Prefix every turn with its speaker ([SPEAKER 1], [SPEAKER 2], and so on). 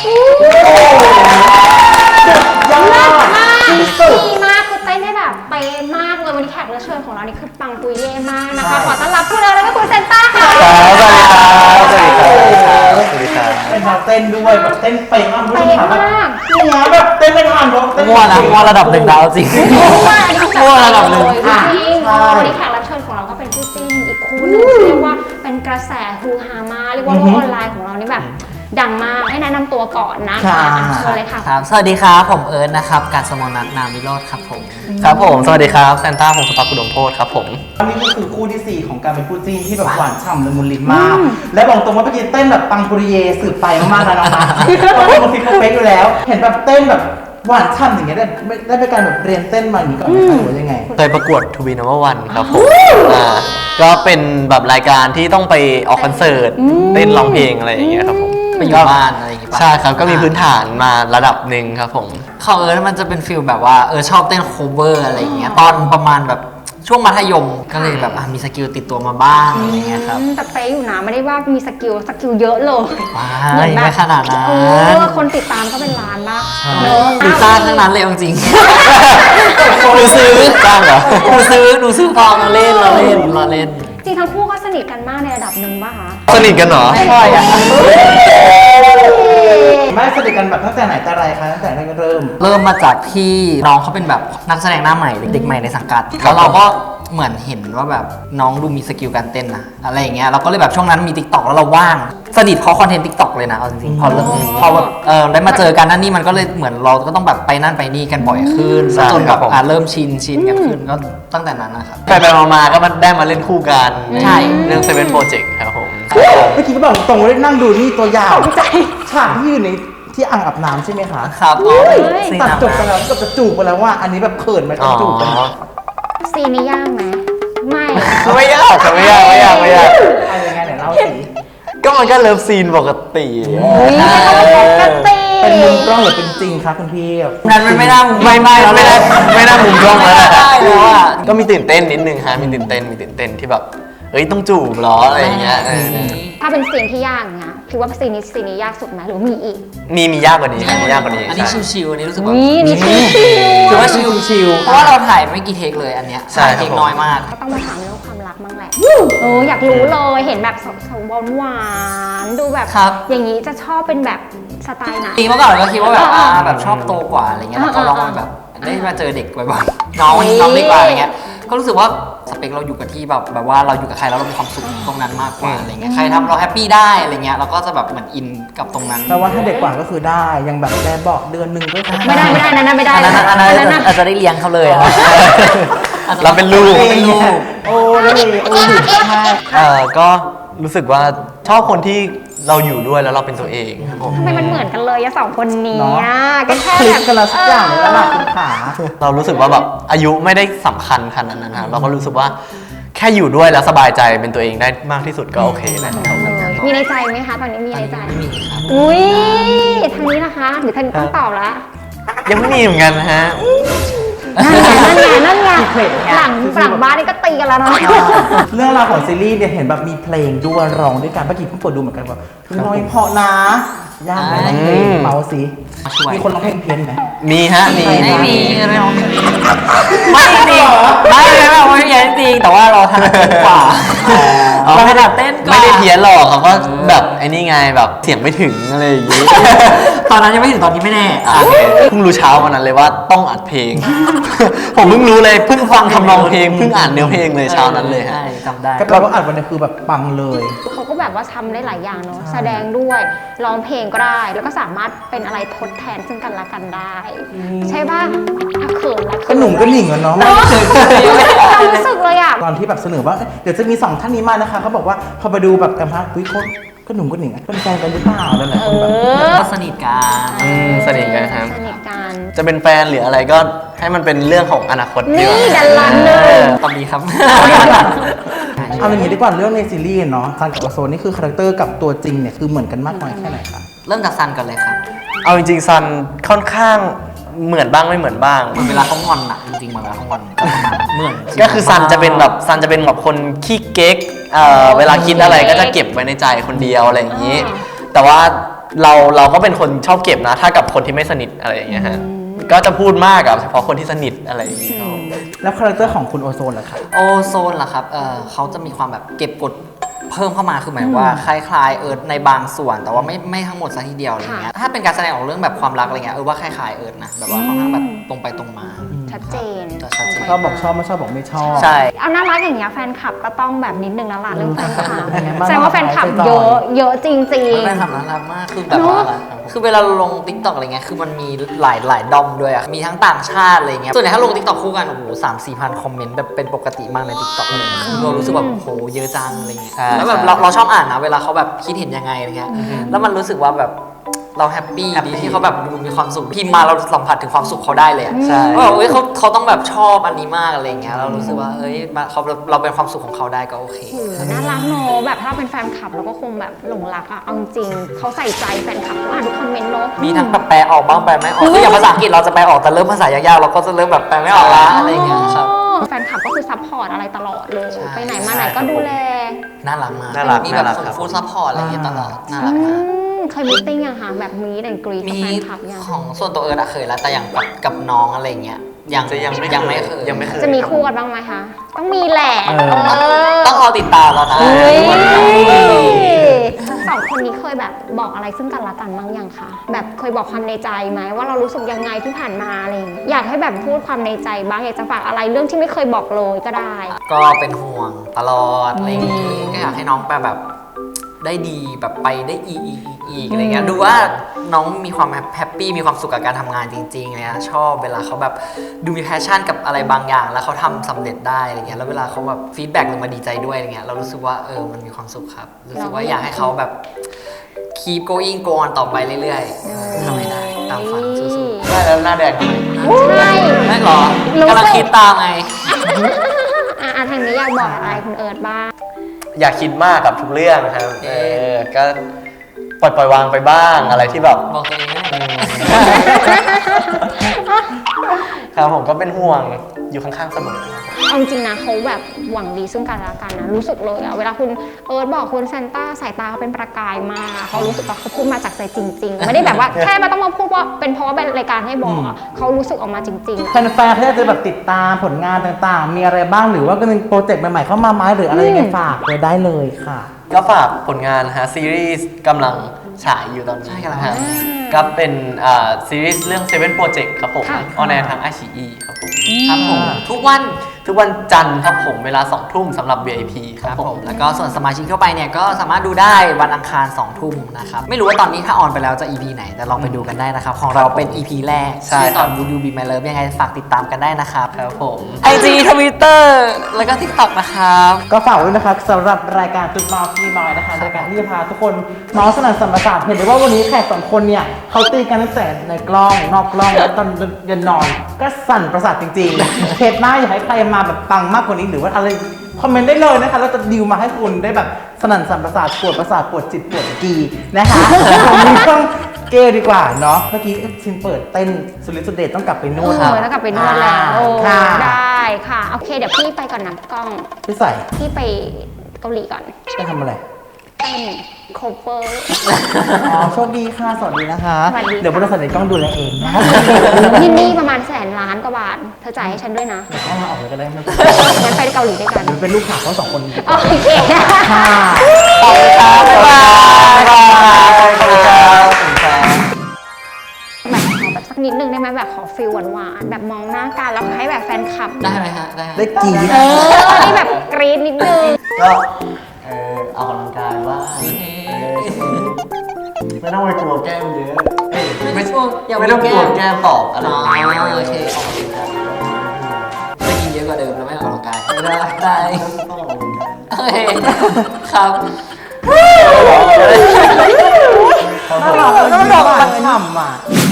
[SPEAKER 1] ยอดมากดีมากคือเต้นได้แบบเป๊ะมากเลยวันนี้แขกรับเชิญของเรานี่คือปังปุยเย่มากนะคะขอต้อนรับคุณเอิร์ธและคุณเซนต้าค่ะ
[SPEAKER 2] สวัสดีครับ
[SPEAKER 3] เป็นนักเต้นด้วยแบบเต้นเป๊ะมาก
[SPEAKER 1] เป๊ะมาก
[SPEAKER 3] เนี่ยแบบเต้นไม่ทันเพราะเต้น
[SPEAKER 2] มั่วนะมั่วระดับ1 ดาวจริงมั่วระดับ1
[SPEAKER 1] จริงวันนี้แขกรับเชิญของเราก็เป็นคู่จิ้นอีกคู่นึงเรียกว่าเป็นกระแสฮือฮามากเรียกว่าโลกออนไลน์ของเรานี่แบบดังมากให้แนะนำตัวก่อนนะคะเชิญเลยค่ะ
[SPEAKER 2] ครับสวัสดีครับผมเอิร์ธนะครับการสมนัทนามวิโรจน์ครับผม
[SPEAKER 4] ครับผมสวัสดีครับแซนต้าพงศธรกุดมโพธิ์ครับผม
[SPEAKER 3] อันนี้ก็คือคู่ที่4ของการเป็นคู่จิ้นที่แบบหวานฉ่ำละมุนลิ้นมากและบอกตรงว่าเมื่อกี้เต้นแบบปังปุริเยสืบไปมากๆแล้วนะคะเพราะว่าบางทีเขาเป๊ะอยู่แล้วเห็นแบบเต้นแบบหวานฉ่ำอย่างเงี้ยได้ไปการแบบเรียนเต้นมาอย่างนี้ก่อนไหมคะหรือว่ายังไง
[SPEAKER 4] เคยประกวดทูบีนัมเบอร์วันครับผมก็เป็นแบบรายการที่ต้องไปออกคอนเสิร์ตเต้นร้องเพลงอะไรอย่างเงี้ยครับผม
[SPEAKER 2] ไปอยู่บ้านอะไรอย่างงี้ป่ะ
[SPEAKER 4] ใช่ครับก็มีพื้นฐานมาระดับหนึ่งครับผม
[SPEAKER 2] ของเอิร์ธมันจะเป็นฟิลแบบว่าชอบเต้นโคเวอร์อะไรอย่างเงี้ยตอนประมาณแบบช่วงมัธยมก็เลยแบบมีสกิลติดตัวมาบ้างอะไรเงี้ยครับ
[SPEAKER 1] แต่เป๊ะอยู่นะไม่ได้ว่ามีสกิลเยอะเลย
[SPEAKER 2] ไม่ขนาดนั้น
[SPEAKER 1] คนติดตามก็เป็นล้านมาก
[SPEAKER 2] ดูจ้างทั้งนั้นเลยจริง
[SPEAKER 4] หนูซื้อจ้างเหรอ
[SPEAKER 2] หนูซื้อพอมาเล่นเราเล่น
[SPEAKER 1] จริงทั้งคู่ก็สนิทกันมากในระดับหนึ่งป่ะคะ
[SPEAKER 4] สนิทกันเหรอ
[SPEAKER 2] ไม่ค่อย
[SPEAKER 3] ไม่สนิทกันแบบตั้งแต่ไหนแต่ไรคะตั้งแต่เริ่ม
[SPEAKER 2] มาจากที่น้องเขาเป็นแบบนักแสดงหน้าใหม่เด็กใหม่ในสังกัดแล้วเราก็เหมือนเห็นว่าแบบน้องดูมีสกิลการเต้นนะอะไรอย่างเงี้ยเราก็เลยแบบช่วงนั้นมี TikTok แล้วเราว่างสนิทเพราะคอนเทนต์ TikTok เลยนะเอาจริงๆพอแบบได้มาเจอกันนั่นนี่มันก็เลยเหมือนเราก็ต้องแบบไปนั่นไปนี่กันบ่อยขึ้นจนแบบเริ่มชินกันขึ้นก็ตั้งแต่นั้นนะครับ
[SPEAKER 4] ไปมาก็มันได้มาเล่นคู่กัน
[SPEAKER 2] ใช่
[SPEAKER 4] เรื่อง7 Project ครับผม
[SPEAKER 3] เมื่อกี้ก็บอกตรงเลยนั่งดูนี่ตัวอย่างฉากที่อยู่ในที่อ่างอาบน้ำใช่ไหมคะ
[SPEAKER 2] ครับ
[SPEAKER 3] ตัดจบไปแล้วก็จะจูบไปแล้วว่าอันนี้แบบเขินไหมต้องจูบกัน
[SPEAKER 1] ซีนนี้ยากไหมไม่
[SPEAKER 4] ไม่ยาก
[SPEAKER 3] เอายังไงไหนเล่าสิ
[SPEAKER 4] ก็มันก็เลิฟซีนปกติ
[SPEAKER 3] เป็นมุมกล้องหรือเป็นจริงคะคุณพี่
[SPEAKER 2] นั้นมันไม่น่ามุม
[SPEAKER 4] ไม่น่ามุมกล้องแล้วแหละ
[SPEAKER 2] แล้วอ่ะ
[SPEAKER 4] ก็มีตื่นเต้นนิดนึงฮะมีตื่นเต้นที่แบบต้องจูบหรออะไรอย่างเงี้ย
[SPEAKER 1] ถ้าเป็นซีนที่ยากเงี้ยคิดว่าซีนนี้ยากสุดไหมหรือมีอีก
[SPEAKER 4] มียากกว่านี้มียากกว่านี้
[SPEAKER 2] อันนี้ชิวๆอันนี้รู้สึกว่า
[SPEAKER 1] นี่ชิว
[SPEAKER 2] ถือว่าชิวเพราะว่าเราถ่ายไม่กี่เทคเลยอันเนี้ยเทคน้อยมาก
[SPEAKER 1] ก็ต้องมาถามเรื่องความรักบ้างแหละอยากรู้เลยเห็นแบบหวานดูแบบอย่างนี้จะชอบเป็นแบบสไตล์ไหน
[SPEAKER 2] เมื่อก่อนก็คิดว่าแบบชอบโตกว่าอะไรเงี้ยแล้วก็ลองแบบได้มาเจอเด็กบ่อยๆน้องเล็กกว่าอะไรเงี้ยก็รู้สึกว่าสเปคเราอยู่กับที่แบบว่าเราอยู่กับใครแล้วเรามีความสุขตรงนั้นมากกว่าอะไรเงี้ยใครทำเราแฮปปี้ได้อะไรเงี้ยเราก็จะแบบเหมือนอินกับตรงนั้น
[SPEAKER 3] แต่ว่าถ้าเด็กกว่าก็คือได้ยังแบบแม่บอกเดือนนึงก็
[SPEAKER 1] ไม่ได้นั่นไม่ได้
[SPEAKER 2] อาจจะได้เลี้ยงเขาเลย
[SPEAKER 4] เราเป็นลูก
[SPEAKER 3] โอ้
[SPEAKER 4] ก็รู้สึกว่าชอบคนที่เราอยู่ด้วยแล้วเราเป็นตัวเองครับผม
[SPEAKER 1] ทำไมมันเหมือนกันเลยสองคนนี้
[SPEAKER 3] ก็แค่แบบกันละสักอย่างแล้วล่ะคุณขา
[SPEAKER 4] เรารู้สึกว่าแบบอายุไม่ได้สำคัญขนาดนั้นนะเราก็รู้สึกว่าแค่อยู่ด้วยแล้วสบายใจเป็นตัวเองได้มากที่สุดก็โอเคแล้ว
[SPEAKER 1] มีในใจไหมคะตอนนี้มีในใจ
[SPEAKER 2] ไม่มีครับ
[SPEAKER 1] อุ้ยทางนี้นะคะหรือทางนี้ต้องตอบละ
[SPEAKER 4] ยังไม่มีเหมือนกันนะฮะ
[SPEAKER 1] นั่นไงหลังบ้านนี่ก็ตีกันแล้วเนาะ
[SPEAKER 3] เรื่องราวของซีรีส์เนี่ยเห็นแบบมีเพลงด้วยร้องด้วยกันเมื่อกี้เพิ่งเปิดดูเหมือนกันว่าน้อยเพาะนะยากไหมเพลงเมาสิมีคนร้องเพลงเพี้ยนไหม
[SPEAKER 4] มีฮะ
[SPEAKER 2] ไม่มีไม่ร้องไม่จริงไม่เพี้ยนจริงแต่ว่าเราถนัดเต้นกว่าเราถนัดเต้นกว่า
[SPEAKER 4] ไม่ได้เพี้ยนหรอกเขาก็แบบไอ้นี่ไงแบบเสียงไม่ถึงอะไรอย่างงี้
[SPEAKER 2] ตอนนั้นยังไม่ถึงตอนนี้ไม่แน่
[SPEAKER 4] เพิ่งรู้เช้าวันนั้นเลยว่าต้องอัดเพลงผมเพิ่งรู้เลยเพิ่งฟังทำนองเพลงเพิ่งอ่านเนื้อเพลงเลยเช้านั้นเลยฮะ
[SPEAKER 2] จำได้
[SPEAKER 3] ก็แปลว่าอัดวันนี้คือแบบปังเลย
[SPEAKER 1] เขาก็แบบว่าทำได้หลายอย่างเนาะแสดงด้วยร้องเพลงก็ได้แล้วก็สามารถเป็นอะไรทดแทนซึ่งกันและกันได้ใช่ป่ะเขินละ
[SPEAKER 3] ก็หนุ่มก็หนิงกันเนาะ
[SPEAKER 1] ความรู้สึกเลยอ่ะ
[SPEAKER 3] ตอนที่แบบเสนอว่าเดี๋ยวจะมี2ท่านนี้มานะคะเขาบอกว่าพอไปดูแบบกันพักวิคนก็หนุ่มก็หนิงเป็นแฟนกันหรือเปล่าแล้วแหละคนแบบ
[SPEAKER 2] ก็สนิทกัน
[SPEAKER 4] สนิทกันครับ
[SPEAKER 1] สนิทกัน
[SPEAKER 4] จะเป็นแฟนหรืออะไรก็ให้มันเป็นเรื่องของอนาคต
[SPEAKER 1] นี่ดันลันเลย
[SPEAKER 2] ตอนนี้ครับ
[SPEAKER 3] เอาอย่างนี้ดีกว่าเรื่องในซีรีส์เนาะซันกับโซนนี่คือคาแรคเตอร์กับตัวจริงเนี่ยคือเหมือนกันมากน้อยแค่ไหนคะ
[SPEAKER 2] เริ่มจากซันก่อนเลยครับ
[SPEAKER 4] เอาจริงๆซันค่อนข้างเหมือนบ้างไม่เหมือนบ้าง
[SPEAKER 2] เวลาเขางอนอะจริงๆเวลาเขางอนเหมือน
[SPEAKER 4] ก็คือซันจะเป็นแบบคนขี้เก๊กเวลาคิดอะไรก็จะเก็บไว้ในใจคนเดียวอะไรอย่างนี้แต่ว่าเราก็เป็นคนชอบเก็บนะ ถ้ากับคนที่ไม่สนิทอะไรอย่างเงี้ยฮะก็จะพูดมากกับเฉพาะคนที่สนิทอะไรอย่างเงี้ย
[SPEAKER 3] แล้วคาแรคเตอร์ของคุณโอโซนล่ะคะ
[SPEAKER 2] โอโซนล่ะครับเขาจะมีความแบบเก็บกดเพิ่มเข้ามาคือหมายว่าคล้ายๆในบางส่วนแต่ว่าไม่ทั้งหมดซะทีเดียวอะไรเงี้ยถ้าเป็นการแสดงออกเรื่องแบบความรักอะไรเงี้ยว่าคล้ายๆนะแบบว่าค่อนข้างแบบตรงไปตรงมา
[SPEAKER 1] ชัดเจน
[SPEAKER 2] ชัดเจน
[SPEAKER 3] ชอบบอกชอบไม่ชอบบอกไม่ชอบ
[SPEAKER 4] ใช่
[SPEAKER 1] เอาน่ารักอย่างเงี้ยแฟนคลับก็ต้องแบบนิดนึงแล้วล่ะเรื่องแฟนคลับ
[SPEAKER 3] เป็นไงบ้าง
[SPEAKER 1] แสดงว่าแฟนคลับเยอะเยอะจริง
[SPEAKER 2] แฟนคลับน่ารักมากคือแบบว่าคือเวลาลง TikTok อะไรเงี้ยคือมันมีหลายดอมด้วยอะมีทั้งต่างชาติอะไรเงี้ยส่วนใหญ่ถ้าลง TikTok คู่กันโอ้โห3-4 พันคอมเมนต์แบบเป็นปกติมากใน TikTok เลยเรารู้สึกแบบโหเยอะจังอะไรเงี้ย
[SPEAKER 4] ใช่
[SPEAKER 2] แล้วแบบเราชอบอ่านนะเวลาเขาแบบคิดเห็นยังไงอะไรเงี้ยแล้วมันรู้สึกว่าแบบเราแฮปปี้ดีที่เขาแบบดูมีความสุขพิมพ์มาเราสัมผัสถึงความสุขเขาได้เลยอะ
[SPEAKER 4] ใช่
[SPEAKER 2] ว่าแบบเขาต้องแบบชอบอันนี้มากอะไรเงี้ยเรารู้สึกว่าเราเป็นความสุขของเขาได้ก็โอเค
[SPEAKER 1] ๆโอ้โหน่ารักเนอะแบบถ้าเป็นแฟนคลับเราก็คงแบบหลงรักอะเอาจริงๆเขาใส่ใจแฟนคลับเขาอ่านทุกคอมเมนต์เนอะ
[SPEAKER 2] มีทั้งแบบแปลออกบ้างแปลไม่ออกคืออย่างภาษาอังกฤษเราจะแปลออกแต่เริ่มภาษายากๆเราก็จะเริ่มแบบแปลไม่ออกละอะไรเงี้ยครับ
[SPEAKER 1] แฟนคลับก็คือซัพพอร์ตอะไรตลอดเลย
[SPEAKER 2] ใช่
[SPEAKER 1] ไปไหนมาไหนก็ดูแล
[SPEAKER 2] น่ารักมาก
[SPEAKER 4] น่ารัก
[SPEAKER 2] มีแบบ
[SPEAKER 4] น่ารัก
[SPEAKER 2] ส่ง
[SPEAKER 4] ครับ
[SPEAKER 2] ฟู้ดซัพพอร์ตอะไรเงี้ยตลอดน่ารักมาก
[SPEAKER 1] เคยมีตติ้งยังคะแบบมีแอนกรีกับ
[SPEAKER 2] มี
[SPEAKER 1] แฟนคลับยัง
[SPEAKER 2] ของส่วนตัวอะเคยแล้วแต่อย่างกับน้องอะไรเงี้ยยัง
[SPEAKER 4] จะยังไม่
[SPEAKER 2] ไม่เคย
[SPEAKER 4] ยังไม่เคย
[SPEAKER 1] จะมีคู่กันบ้างไหมคะ ต้องมีแหละ
[SPEAKER 2] ต้องรอติดตามแล้วนะ
[SPEAKER 1] เฮ้ย
[SPEAKER 2] วันไหน
[SPEAKER 1] สองคนนี้เคยแบบบอกอะไรซึ่งกันและกันบ้างยังคะแบบเคยบอกความในใจไหมว่าเรารู้สึกยังไงที่ผ่านมาอะไรอย่างเงี้ยอยากให้แบบพูดความในใจบ้างอยากจะฝากอะไรเรื่องที่ไม่เคยบอกเลยก็ได้
[SPEAKER 2] ก็เป็นห่วงตลอดอะไรอย่างงี้ก็อยากให้น้องไปแบบได้ดีแบบไปได้อีกอะไรเงี้ยดูว่าน้องมีความแฮปปี้มีความสุขกับการทำงานจริงๆเนี่ยชอบเวลาเขาแบบดูมีแพชชั่นกับอะไรบางอย่าง แล้วเขาทำสำเร็จได้อะไรเงี้ยแล้วเวลาเขาแบบฟีดแบ็กหรือมาดีใจด้วยอะไรเงี้ยเรารู้สึกว่ามันมีความสุขครับรู้สึกว่าอยากให้เขาแบบ keep going go on ต่อไปเรื่อยๆทำให้ได้ตามฝันสู้ๆ
[SPEAKER 4] ได้แล้วหน้าแดงทำไม
[SPEAKER 1] ใช่
[SPEAKER 2] ไม่หรอ
[SPEAKER 1] รู้สึก
[SPEAKER 2] กำลังคิดตามไง
[SPEAKER 1] ทางนี้อยากบอกอะไรคุณเอิร์ธบ้าง
[SPEAKER 4] อย่าคิดมากกับทุกเรื่องครับก็ปล่อยวางไปบ้างอะไรที่แบบ
[SPEAKER 2] บอกตัวเองไม่ได้
[SPEAKER 4] ครับผมก็เป็นห่วงอยู่ข้างๆเสมอ
[SPEAKER 1] เอาจริงนะเขาแบบหวังดีซึ่งกันและกันนะรู้สึกเลยอะเวลาคุณเอิร์ธบอกคุณซานต้าสายตาเขาเป็นประกายมากอะเขารู้สึกว่าเขาพูดมาจากใจจริง ๆ ไม่ได้แบบว่า แค่มาต้องมาพูดว่าเป็นเพราะว่าเป็นรายการให้บอกอะเขารู้สึกออกมาจริงๆ
[SPEAKER 3] แฟนๆเขาจะแบบติดตามผลงานต่างๆ มีอะไรบ้างหรือว่าก็มีโปรเจกต์ใหม่ๆเข้ามาไหมหรืออะไรยังไงฝากเลยได้เลยค่ะ
[SPEAKER 4] ก็ฝากผลงานนะฮะซีรีส์กำลังฉายอยู่ตอนนี้
[SPEAKER 2] ใช่กำลัง
[SPEAKER 4] นะฮะก็เป็นซีรีส์เรื่อง Seven Project ครับผม
[SPEAKER 1] ค่ะ
[SPEAKER 4] ออนแอร์ทาง iQIYI ครับผม
[SPEAKER 2] ครับผมทุกวัน
[SPEAKER 4] ทุกวันจันทร์ครับผมเวลา 2 ทุ่มสำหรับ VIP ค
[SPEAKER 2] ค
[SPEAKER 4] รั
[SPEAKER 2] รั
[SPEAKER 4] บบ ผ
[SPEAKER 2] ผม มแล้วก็ส่วนสมาชิกทั่วไปเนี่ยก็สามารถดูได้วันอังคาร 2 ทุ่มนะครับ ไม่รู้ว่าตอนนี้ถ้าออนไปแล้วจะ EP ไหน แต่ลองไปดูกันได้นะครับ ของเราเป็น EP แรก
[SPEAKER 4] ใช่
[SPEAKER 2] ที่ตอน Would You Be My Love ยังไงฝากติดตามกันได้นะครับ
[SPEAKER 4] ครับผม
[SPEAKER 2] IG Twitter แล้วก็ TikTok นะครับ
[SPEAKER 3] ก็ฝากด้วยนะครับสำหรับรายการตุ๊ดเมาส์ที่มอยนะคะรายการที่จะพาทุกคนเมาส์สนั่นสัมปทานเห็นได้ว่าวันนี้แขกสองคนเนี่ยเขาตีกันตั้งแต่ในกล้องนอกกล้องแล้วตอนยันนอนก็สั่นประสาทจริงๆเทปหน้าอยากให้ใครมาแบบปังมากกว่านี้หรือว่าอะไรคอมเมนต์ได้เลยนะคะเราจะดิวมาให้คุณได้แบบสนั่นสัมปทานปวดประสาทปวดจิตปวดกีนะคะผมมีต้องเกย์ดีกว่าเนาะเมื่อกี้ชินเปิดเต้นสุริสุดเดชต้องกลับไปนู่น
[SPEAKER 1] แล้วกลับไปนวดแล้วโอ้
[SPEAKER 3] ค่ะ
[SPEAKER 1] ได้ค่ะโอเคเดี๋ยวพี่ไปก่อนนะกล้อง
[SPEAKER 3] พี่ใส่
[SPEAKER 1] พี่ไปเกาหลีก่อน
[SPEAKER 3] จะทำอะไร
[SPEAKER 1] เต้นโคเวอร์
[SPEAKER 3] อ๋อโชคดีค่ะ สวัสดีนะคะ
[SPEAKER 1] สวัสดีค่ะ
[SPEAKER 3] เดี๋ยวบริษัทในกล้องดูแลเองนะ
[SPEAKER 1] ที่นี่ประมาณ100,000,000 กว่าบาทเธอจ่ายให้ฉันด้วยนะ
[SPEAKER 3] เดี๋ยวเข้ามาออกเลยก็ได้ไม่เป็น
[SPEAKER 1] งั้นไปเกาหลีด้วยกัน
[SPEAKER 3] ไรเป็นลูกค้าเขาสองคน
[SPEAKER 1] โอเค
[SPEAKER 3] ค่ะ
[SPEAKER 2] ขอบคุณครับบ๊ายบาย
[SPEAKER 4] บ๊ายบายขอบคุณครับขอบคุณครับ
[SPEAKER 1] แบบขอแบบสักนิดนึงได้ไหมแบบขอฟิลหวานๆแบบมองหน้ากันแล้วให้แบบแฟนคลับ
[SPEAKER 2] ได้ไหมฮะ ได้
[SPEAKER 3] ได้กรีด
[SPEAKER 1] ให้แบบกรี๊ดนิดนึง
[SPEAKER 4] ก็ออกกำลังกายบ้างไม่ต้องไปกลัวแก้มเยอะเอ้ย
[SPEAKER 2] ไม่ช่วงอย่า
[SPEAKER 4] ไม่ต้องกลัวแก้มตอบอะไร
[SPEAKER 2] อ๋อ
[SPEAKER 4] อย่างเงี้ย
[SPEAKER 2] โอเคออกกำลังกายจะกินเยอะกว่าเดิมแล้วไม่ออกกำลังกาย
[SPEAKER 4] ไม่ได้
[SPEAKER 2] ได้
[SPEAKER 4] ต้องออกกำลังกาย
[SPEAKER 2] โอเคครับ
[SPEAKER 3] น่ารักเลยยิ้มหวานฉ่ำอ่ะ